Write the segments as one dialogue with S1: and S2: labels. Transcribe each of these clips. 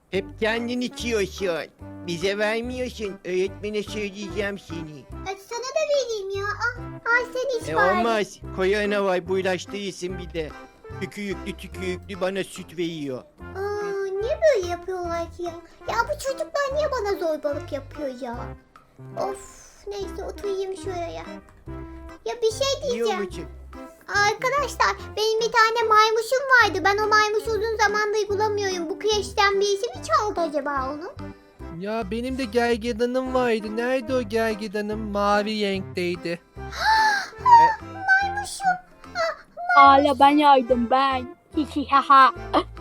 S1: Hep kendin içiyorsun. Bize vermiyorsun. Öğretmene söyleyeceğim seni.
S2: Sana da vereyim ya. Al sen iç bari.
S1: Olmaz. Koyana var bulaştırırsın bir de. Tükürüklü bana süt veriyor.
S2: Niye böyle yapıyorlar ki ya? Ya bu çocuklar niye bana zorbalık yapıyor ya? Of, neyse oturayım şuraya. Ya bir şey
S1: Yiyor
S2: diyeceğim.
S1: musun?
S2: Arkadaşlar benim bir tane maymuşum vardı. Ben o maymuşu uzun zamandır bulamıyorum. Bu kreşten birisi mi çaldı acaba onu?
S3: Ya benim de gergedanım vardı. Nerede o gergedanım? Mavi renkteydi.
S2: Maymuşum.
S4: Hala ben yaydım ben. Hihi haha.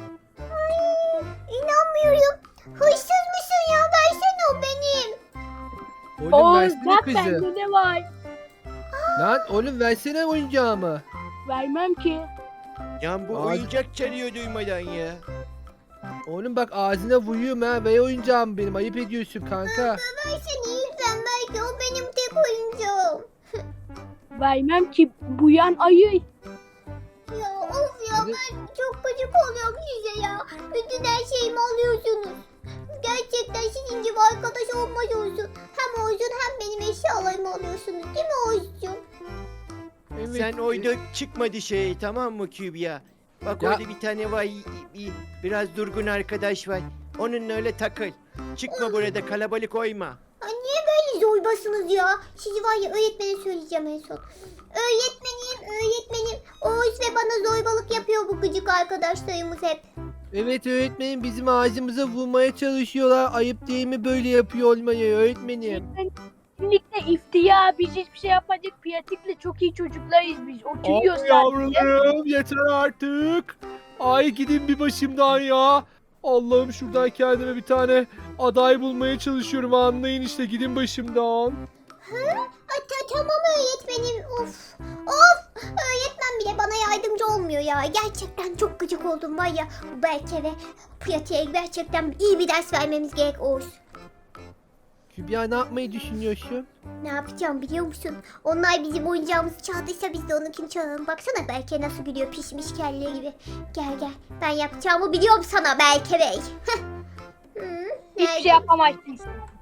S2: İnanmıyorum. Hırsız mısın ya? Versene o benim.
S3: Oğlum
S4: Oğuz
S3: versene
S4: bak
S3: kızı.
S4: bende ne var?
S3: Lan oğlum versene oyuncağımı.
S4: Vermem ki.
S1: Ya bu
S3: Ağzı-
S1: oyuncak çalıyor duymadan ya.
S3: Oğlum bak ağzına vuruyorum ha. Ver oyuncağımı benim. Ayıp ediyorsun kanka.
S2: Versene lütfen belki o benim tek oyuncağım.
S4: Vermem ki. Bu yan ayı.
S2: Ya of ya ben çok gıcık oluyorum size ya. Bütün her şeyimi alıyorsunuz. Gerçekten sizin gibi arkadaş olmaz olsun. Hem Oğuz'un hem benim eşyalarımı alıyorsunuz değil mi Oğuz'cum?
S3: Evet.
S1: Sen oyda çıkma dışarı tamam mı Kübra? Bak
S3: Ya-
S1: orada bir tane var biraz durgun arkadaş var. Onunla öyle takıl. Çıkma burada kalabalık oyma.
S2: Ay niye böyle zorbasınız ya? Sizi var ya öğretmene söyleyeceğim en son. Öğretmenim. Oğuz ve bana zorbalık yapıyor bu gıcık arkadaşlarımız hep.
S3: Evet öğretmenim bizim ağzımıza vurmaya çalışıyorlar. Ayıp değil mi böyle yapıyor olmayı öğretmenim?
S4: Kesinlikle iftira. Biz hiçbir şey yapmadık. Piyatikle çok iyi çocuklarız biz. Oturuyoruz sadece.
S3: yavrularım yeter artık. Ay gidin bir başımdan ya. Allah'ım şuradan kendime bir tane aday bulmaya çalışıyorum. Anlayın işte gidin başımdan.
S2: Tamam öğretmenim. Of. Öğretmen bile bana yardımcı olmuyor ya. Gerçekten çok gıcık oldum var ya. Bu Berke ve Pratiğe gerçekten iyi bir ders vermemiz gerek Oğuz.
S3: Kübra ne yapmayı düşünüyorsun?
S2: Ne yapacağım biliyor musun? Onlar bizim oyuncağımızı çaldıysa biz de onunkini çalalım. Baksana Berke nasıl gülüyor pişmiş kelle gibi. Gel. Ben yapacağımı biliyorum sana Berke Bey.
S4: Hiçbir şey yapamazsın.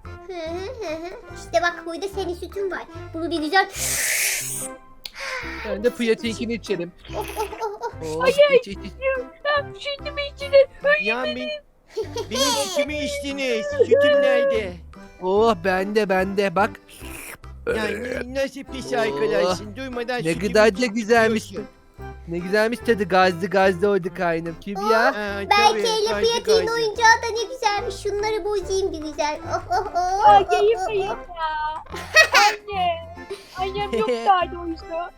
S2: İşte bak burada senin sütün var. Bunu bir güzel...
S3: Ben de piyatekini içerim. Oh,
S4: Hayır.
S3: iç.
S4: Şimdi mi içine?
S1: Ya benim sütümü içtiniz. Sütüm nerede?
S3: Oh bende bak.
S1: Ya nasıl pis arkadaşsın duymadan
S3: Ne
S1: sütümü
S3: kadar da güzelmiş.
S1: içiyorsun.
S3: Ne güzelmiş tadı gazlı oldu kaynım. Kübra.
S1: Ha,
S2: Berke
S1: tabii,
S2: ile
S1: gaydı,
S2: Pratiğin
S1: gaydı.
S2: oyuncağı da ne güzelmiş. Şunları bozayım bir güzel.
S4: Ay ayıp ya. Anne. Annem çok sardı o yüzden.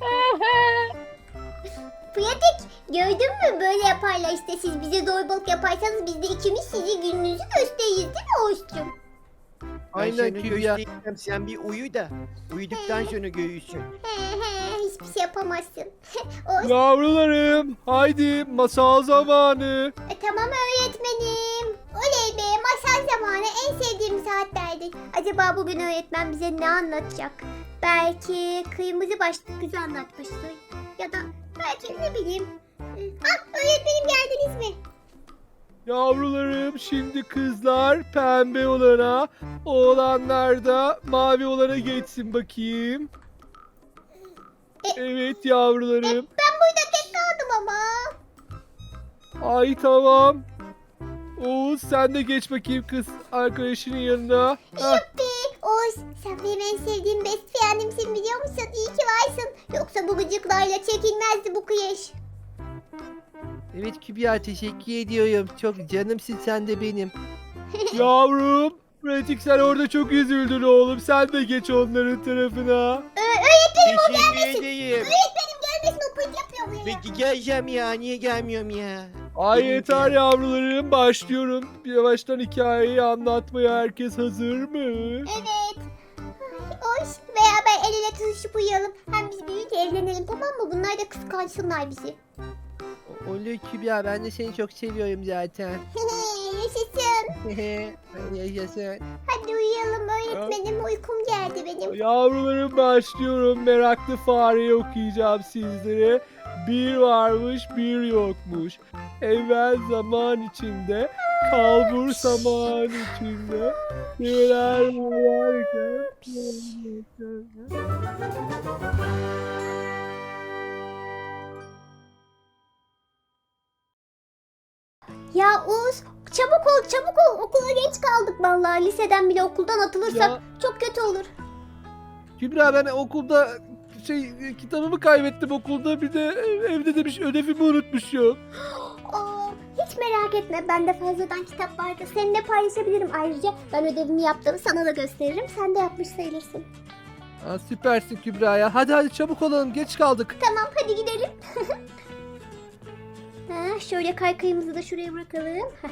S2: Pratik gördün mü böyle yaparlar işte siz bize zorbalık yaparsanız biz de ikimiz sizi gününüzü gösteririz değil mi Oğuz'cum?
S3: Aynen
S1: sana
S3: Kübra.
S1: göstereceğim, sen bir uyu da. Uyuduktan sonra görürsün.
S2: Hiçbir şey yapamazsın. Oğuz,
S3: Yavrularım haydi masal zamanı.
S2: tamam öğretmenim. Oley be masal zamanı en sevdiğim saatlerdir. Acaba bugün öğretmen bize ne anlatacak? Belki kırmızı başlık kızı anlatmıştır. Ya da belki ne bileyim. Öğretmenim geldiniz mi?
S3: Yavrularım şimdi kızlar pembe olana, oğlanlar da mavi olana geçsin bakayım. Evet yavrularım.
S2: Ben burada tek kaldım ama.
S3: Ay tamam. Oğuz sen de geç bakayım kız arkadaşının yanına. Hah.
S2: Yuppi. Oğuz sen benim en sevdiğim best friendimsin biliyor musun? İyi ki varsın. Yoksa bu gıcıklarla çekilmezdi bu kıyış.
S3: Evet Kübra teşekkür ediyorum. Çok canımsın sen de benim. Yavrum. Pratik sen orada çok üzüldün oğlum. Sen de geç onların tarafına.
S1: Teşekkür ederim.
S2: Öğretmenim gelmesin o pıt yapıyor buraya.
S1: Peki geleceğim ya. Niye gelmiyorum ya?
S3: Ay
S1: Benim
S3: yeter
S1: de.
S3: yavrularım başlıyorum. Yavaştan hikayeyi anlatmaya herkes hazır mı?
S2: Evet. Oğuz beraber el ele tutuşup uyuyalım. Hem biz büyüyünce evlenelim tamam mı? Bunlar da kıskansınlar bizi.
S3: Olur Kübra ben de seni çok seviyorum zaten.
S2: Yaşasın.
S3: Yaşasın.
S2: Hadi uyuyalım öğretmenim. Uykum geldi benim.
S3: Yavrularım başlıyorum. Meraklı fareyi okuyacağım sizlere. Bir varmış bir yokmuş. Evvel zaman içinde, kalbur zaman içinde. Neler varken.
S2: Ya Oğuz çabuk ol çabuk ol. Okula geç kaldık vallahi. Liseden bile okuldan atılırsak
S3: Ya.
S2: çok kötü olur.
S3: Kübra ben okulda kitabımı kaybettim okulda. Bir de evde demiş ödevimi unutmuşum.
S2: Aa, hiç merak etme. Bende fazladan kitap vardı. Seninle paylaşabilirim ayrıca. Ben ödevimi yaptım. Sana da gösteririm. Sen de yapmış sayılırsın.
S3: Aa, süpersin Kübra ya. Hadi çabuk olalım geç kaldık.
S2: Tamam hadi gidelim. Ha, şöyle kaykayımızı da şuraya bırakalım. Heh.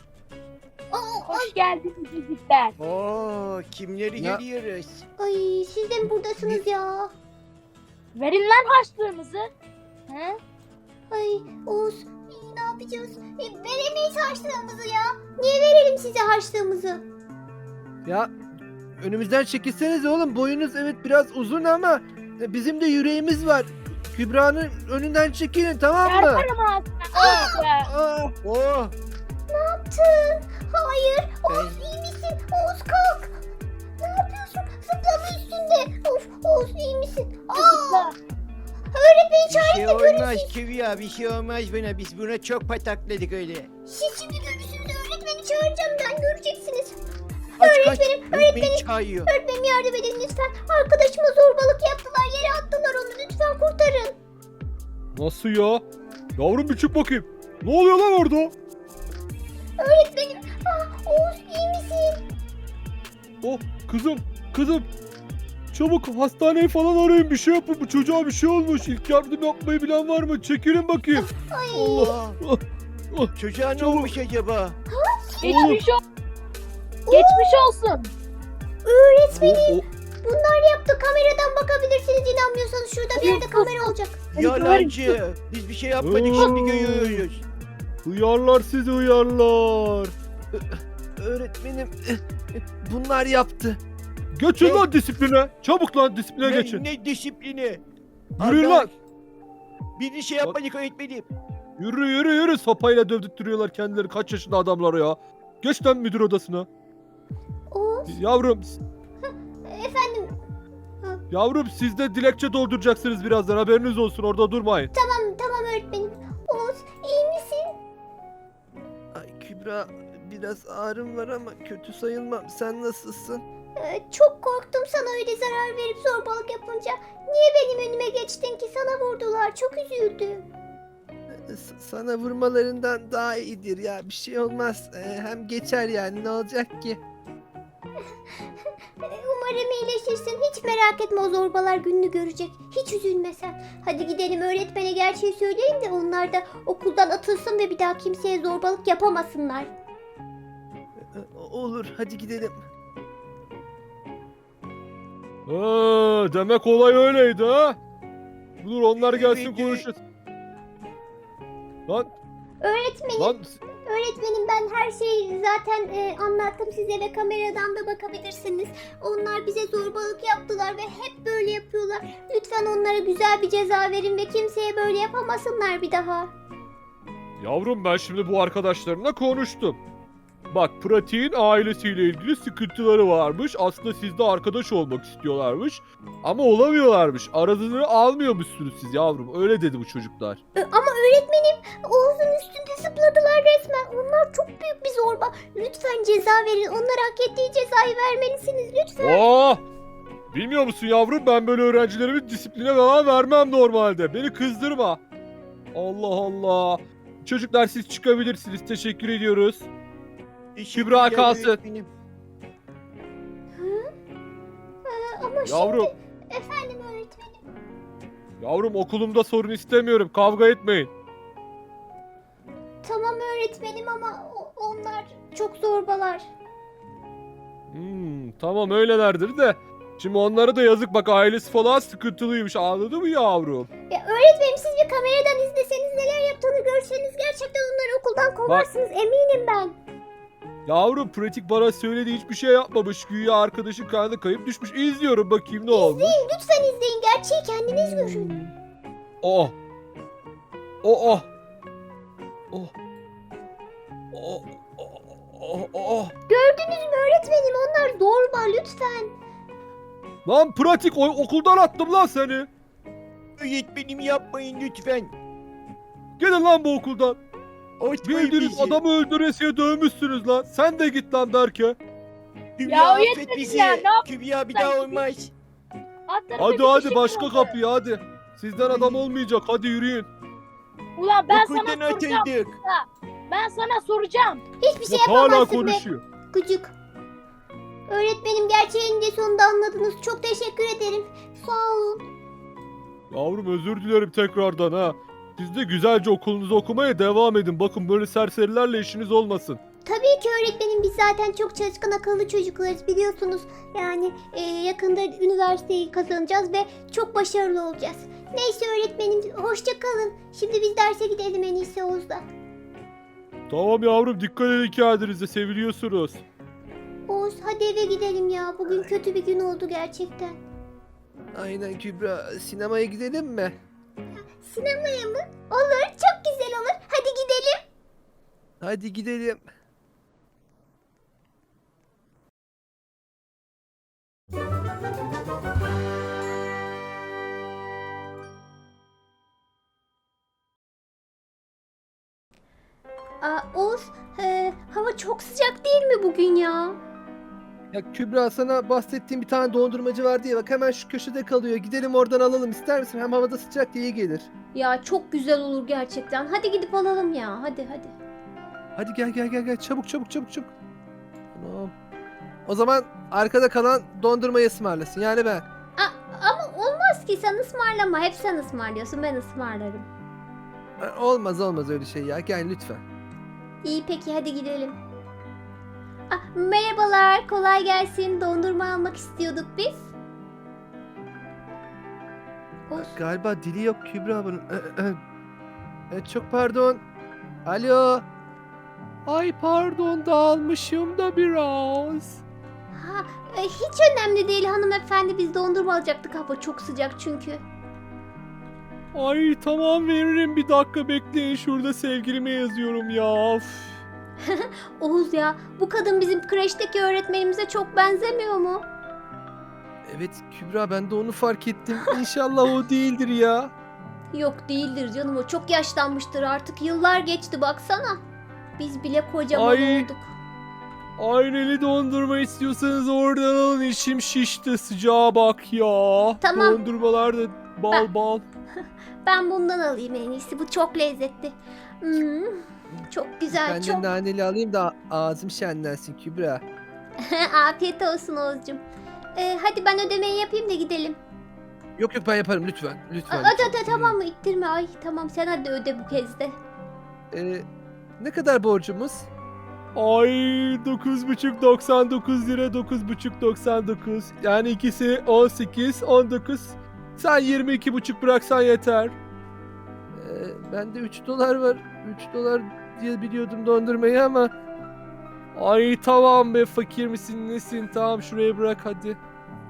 S4: Hoş geldiniz çocuklar.
S1: Oo, kimleri
S3: Ya.
S1: görüyoruz?
S2: Ay siz de mi buradasınız ya?
S4: Verin lan harçlığınızı. He?
S2: Ay Oğuz ne yapacağız? Veremeyiz harçlığımızı ya. Niye verelim size harçlığımızı?
S3: Ya önümüzden çekilsenize oğlum. Boyunuz evet biraz uzun ama bizim de yüreğimiz var. Kübra'nın önünden çekilin tamam mı?
S4: Çarparım ağzına.
S3: Aa,
S1: Oh,
S2: Ne yaptın? Hayır.
S1: ben,
S2: Oğuz iyi misin? Oğuz kalk. Ne yapıyorsun? Zıplama üstünde. Of Oğuz iyi misin? Aa, öğretmeni
S1: bir
S2: çağırın
S1: şey
S2: da görün
S1: olmaz
S2: siz.
S1: Kübra, bir şey olmaz buna. Biz buna çok patakladık öyle.
S2: Siz şimdi görürsünüz. Öğretmeni çağıracağım ben. Göreceksiniz.
S1: Kaç, öğretmeni çağırıyor.
S2: Öğretmenim yardım edin lütfen. Arkadaşıma zorbalık yaptılar. Yere attılar onu. Lütfen kurtarın.
S3: nasıl ya? Yavrum bir çık bakayım. Ne oluyor lan orada?
S2: Öğretmenim. Oğuz iyi misin?
S3: Oh kızım. Çabuk hastaneyi falan arayın bir şey yapın. Bu çocuğa bir şey olmuş. İlk yardım yapmayı bilen var mı? Çekilin bakayım.
S2: Ay.
S3: Allah.
S1: Çocuğa ne
S3: Çabuk.
S1: olmuş acaba?
S4: Geçmiş olsun. Geçmiş olsun.
S2: Öğretmenim.
S3: O-
S2: Bunlar yaptı. Kameradan bakabilirsiniz inanmıyorsanız. Şurada bir yerde kamera olacak.
S1: Yalancı. Biz bir şey yapmadık,
S3: Oo.
S1: şimdi görüyoruz.
S3: Hıyarlar sizi hıyarlar. Öğretmenim bunlar yaptı. Geçin
S1: Ne?
S3: lan disipline. Çabuk lan disipline
S1: Ne,
S3: geçin.
S1: ne disiplini?
S3: Yürüyün
S1: Allah,
S3: lan.
S1: biz bir şey yapmadık öğretmenim.
S3: Yürü sopayla dövdürtüyorlar kendileri kaç yaşında adamlar ya. Geç lan müdür odasına.
S2: Oğuz.
S3: Yavrum
S2: Efendim.
S3: yavrum siz de dilekçe dolduracaksınız birazdan haberiniz olsun orada durmayın.
S2: Tamam öğretmenim. Oğuz iyi misin?
S3: Ay Kübra biraz ağrım var ama kötü sayılmam. Sen nasılsın?
S2: Çok korktum sana öyle zarar verip zorbalık yapınca. Niye benim önüme geçtin ki? Sana vurdular. Çok üzüldüm.
S3: Sana vurmalarından daha iyidir ya bir şey olmaz. Hem geçer yani ne olacak ki?
S2: Umarım iyileşirsin. Hiç merak etme o zorbalar gününü görecek. Hiç üzülme sen. Hadi gidelim öğretmene gerçeği söyleyin de onlar da okuldan atılsın ve bir daha kimseye zorbalık yapamasınlar.
S3: Olur hadi gidelim. Demek olay öyleydi ha? Dur onlar gelsin
S1: Evet,
S3: konuşuruz. Lan
S2: Öğretmenim, öğretmenim ben her şeyi zaten anlattım size ve kameradan da bakabilirsiniz. Onlar bize zorbalık yaptılar ve hep böyle yapıyorlar. Lütfen onlara güzel bir ceza verin ve kimseye böyle yapamasınlar bir daha.
S3: yavrum ben şimdi bu arkadaşlarımla konuştum. Bak Pratik'in ailesiyle ilgili sıkıntıları varmış. Aslında sizde arkadaş olmak istiyorlarmış. Ama olamıyorlarmış. Aradığını almıyormuşsunuz siz yavrum. Öyle dedi bu çocuklar.
S2: Ama öğretmenim Oğuz'un üstünde zıpladılar resmen. Onlar çok büyük bir zorba. Lütfen ceza verin. Onlara hak ettiği cezayı vermelisiniz lütfen.
S3: Oh! Bilmiyor musun yavrum ben böyle öğrencilerimi disipline falan vermem normalde. Beni kızdırma. Allah Allah. Çocuklar siz çıkabilirsiniz. Teşekkür ediyoruz. Kübra kalsın.
S1: öğretmenim.
S2: Ama
S3: Yavrum,
S2: şimdi efendim öğretmenim.
S3: yavrum okulumda sorun istemiyorum. Kavga etmeyin.
S2: Tamam öğretmenim ama onlar çok zorbalar.
S3: Tamam öylelerdir de. Şimdi onlara da yazık bak ailesi falan sıkıntılıymış anladın mı yavrum?
S2: Ya öğretmenim siz bir kameradan izleseniz neler yaptığını görseniz gerçekten onları okuldan kovarsınız eminim ben.
S3: Yavrum pratik bana söyledi hiçbir şey yapmamış. Güya arkadaşın karnı kayıp düşmüş. İzliyorum bakayım ne olmuş.
S2: Lütfen izleyin gerçeği kendiniz görün.
S3: Oh Oh. Oh. Oh. Oh.
S2: Gördünüz mü öğretmenim? Onlar zorba lütfen.
S3: Lan pratik okuldan attım lan seni.
S1: Öğretmenim yapmayın lütfen.
S3: Gidin lan bu okuldan.
S1: Atmayın
S3: Bildiğiniz
S1: bizi.
S3: adamı öldüresiye dövmüşsünüz lan. Sen de git lan Berke.
S1: Kübra
S4: Ya
S1: affet
S4: öğretmenim
S1: bizi.
S4: ya, ne yaptın
S1: Kübra bir
S4: sen?
S1: daha olmaz.
S4: Atlarım
S3: Hadi
S4: da bir
S3: hadi
S4: şey
S3: başka
S4: oldu.
S3: kapıya hadi. Sizden adam olmayacak. Hadi yürüyün.
S4: Ulan ben
S1: Okuldan
S4: sana soracağım.
S1: atıldık.
S4: Ben sana soracağım.
S2: Hiçbir şey
S3: Bak hala
S2: yapamazsın be.
S3: konuşuyor.
S2: Gıcık. Öğretmenim gerçeğini de sonunda anladınız. Çok teşekkür ederim. Sağ olun.
S3: Yavrum özür dilerim tekrardan ha. Siz de güzelce okulunuzu okumaya devam edin. Bakın böyle serserilerle işiniz olmasın.
S2: Tabii ki öğretmenim, biz zaten çok çalışkan akıllı çocuklarız biliyorsunuz. Yani yakında üniversiteyi kazanacağız ve çok başarılı olacağız. Neyse öğretmenim, hoşça kalın. Şimdi biz derse gidelim en iyisi Oğuz'la.
S3: Tamam yavrum dikkat edin kendinize seviliyorsunuz.
S2: Oğuz hadi eve gidelim ya. Bugün kötü bir gün oldu gerçekten.
S3: Aynen Kübra. Sinemaya gidelim mi?
S2: Sinemaya mı? Olur, çok güzel olur. Hadi gidelim.
S3: Hadi gidelim.
S2: Oğuz, hava çok sıcak değil mi bugün ya?
S3: Ya Kübra sana bahsettiğim bir tane dondurmacı var diye bak hemen şu köşede kalıyor. Gidelim oradan alalım ister misin? Hem havada sıcak diye iyi gelir.
S2: Ya çok güzel olur gerçekten. Hadi gidip alalım ya. Hadi.
S3: Hadi gel çabuk. Tamam. O zaman arkada kalan dondurmayı ısmarlasın yani ben.
S2: Ama olmaz ki, sen ısmarlama. Hep sen ısmarlıyorsun, ben ısmarlarım.
S3: Olmaz öyle şey ya gel lütfen.
S2: İyi peki, hadi gidelim. Merhabalar, kolay gelsin. Dondurma almak istiyorduk biz. Oğuz,
S3: Galiba dili yok Kübra bunun. Çok pardon. Alo. Ay pardon dağılmışım da biraz.
S2: hiç önemli değil hanımefendi, biz dondurma alacaktık. Hava çok sıcak çünkü.
S3: Ay tamam veririm bir dakika bekleyin şurada sevgilime yazıyorum ya. Üf.
S2: Oğuz ya, bu kadın bizim kreşteki öğretmenimize çok benzemiyor mu?
S3: Evet Kübra ben de onu fark ettim. İnşallah o değildir ya.
S2: Yok değildir canım, o çok yaşlanmıştır artık, yıllar geçti baksana. Biz bile kocaman
S3: Ay.
S2: olduk.
S3: Ayneli dondurma istiyorsanız oradan alın içim şişti sıcağa bak ya.
S2: Tamam.
S3: Dondurmalar da bal.
S2: Ben bundan alayım en iyisi, bu çok lezzetli. Çok güzel,
S3: Ben
S2: çok.
S3: de naneli alayım da ağzım şenlensin Kübra.
S2: Afiyet olsun Oğuzcum. Hadi ben ödemeyi yapayım da gidelim.
S3: Yok ben yaparım lütfen.
S2: Hadi tamam mı, ittirme. Ay tamam, sen hadi öde bu kez de.
S3: Ne kadar borcumuz? Ay 9,599 lira 9,599. Yani ikisi 18, 19. Sen 22,5 bıraksan yeter. Bende 3 dolar var. 3 dolar diye biliyordum dondurmayı ama. Ay tamam be fakir misin nesin? Tamam şuraya bırak hadi.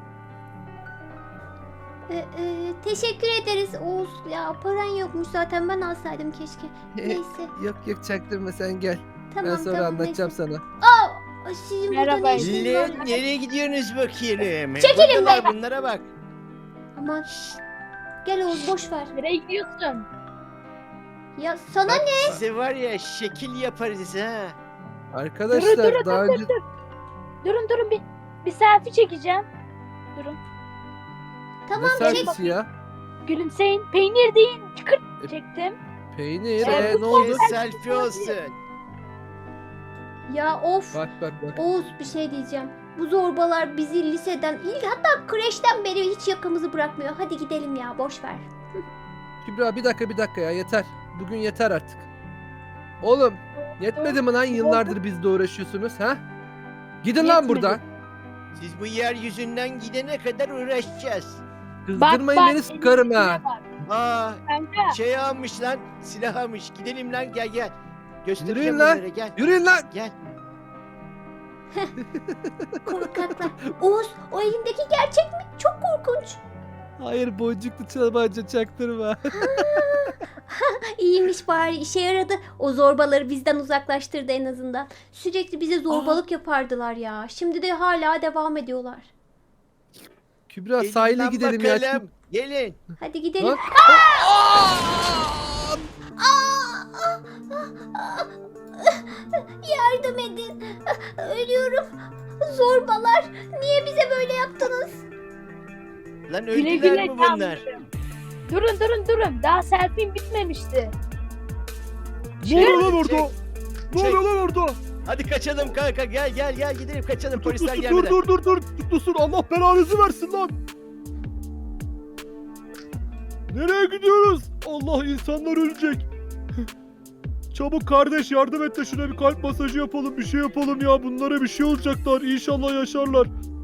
S2: Teşekkür ederiz Oğuz. Ya paran yokmuş zaten, ben alsaydım keşke. Neyse.
S3: Yok çaktırma sen gel.
S2: Tamam
S3: Ben sonra
S2: tamam,
S3: anlatacağım
S2: neyse.
S3: sana.
S2: Sizin
S4: Merhaba.
S2: burada ne işiniz var?
S1: Nereye gidiyorsunuz bakayım?
S2: Çekilin
S1: Buradalar,
S2: be.
S1: bunlara bak.
S2: Aman. Gel Oğuz, boş ver.
S4: Nereye gidiyorsun?
S2: Ya sana
S1: Bak, size var ya şekil yaparız ha.
S3: Arkadaşlar
S4: Durun,
S3: daha önce
S4: Durun bir selfie çekeceğim. Durun.
S2: tamam
S3: ne
S2: çek.
S3: servisi ya?
S4: Gülümseyin. Peynir değil. Çıkır
S3: E,
S4: çektim.
S3: Peynir
S4: Sen
S3: ne oldu?
S1: Selfie olsun.
S2: Ya of.
S3: Bak.
S2: Oğuz bir şey diyeceğim. Bu zorbalar bizi liseden, hatta kreşten beri hiç yakamızı bırakmıyor. Hadi gidelim ya, boş ver.
S3: Kübra bir dakika ya yeter. Bugün yeter artık. Oğlum yetmedi mi lan yıllardır bizle uğraşıyorsunuz ha? Gidin lan
S4: Yetmedi.
S3: buradan.
S1: Siz bu yeryüzünden gidene kadar uğraşacağız.
S3: Kızdırmayın beni sıkarım ha.
S1: Aa,
S4: Kanka.
S1: şey almış lan, silah almış. Gidelim lan, gel. Göstereceğim
S3: Yürüyün lan.
S1: onlara, gel.
S3: Yürüyün lan.
S1: Gel.
S2: Korkaklar. Oğuz, o elindeki gerçek mi? Çok korkunç.
S3: Hayır boncuklu tabanca çaktırma.
S2: İyiymiş bari işe yaradı. O zorbaları bizden uzaklaştırdı en azından. Sürekli bize zorbalık yapardılar ya. Şimdi de hala devam ediyorlar.
S3: Kübra
S1: Gelin
S3: sahile
S1: lan
S3: gidelim ya.
S1: bakalım. Gelin.
S2: Hadi gidelim.
S3: Lan.
S2: Yardım edin. Ölüyorum. Zorbalar. Niye bize böyle yaptınız?
S1: Lan
S4: Güle
S1: öldüler
S4: güle
S1: mi bunlar?
S4: Kamurum. Durun. Daha selfie'm bitmemişti.
S3: Ne oluyor lan orada?
S1: Çek,
S3: Ne
S1: çek.
S3: oluyor lan orada?
S1: Hadi kaçalım kanka. Gel gidelim kaçalım polisler
S3: Dur
S1: gelmeden.
S3: dur. Tutlusun Allah belanızı versin lan. Nereye gidiyoruz? Allah insanlar ölecek. Çabuk kardeş yardım et de şuna bir kalp masajı yapalım bir şey yapalım ya. Bunlara bir şey olacaklar. İnşallah yaşarlar.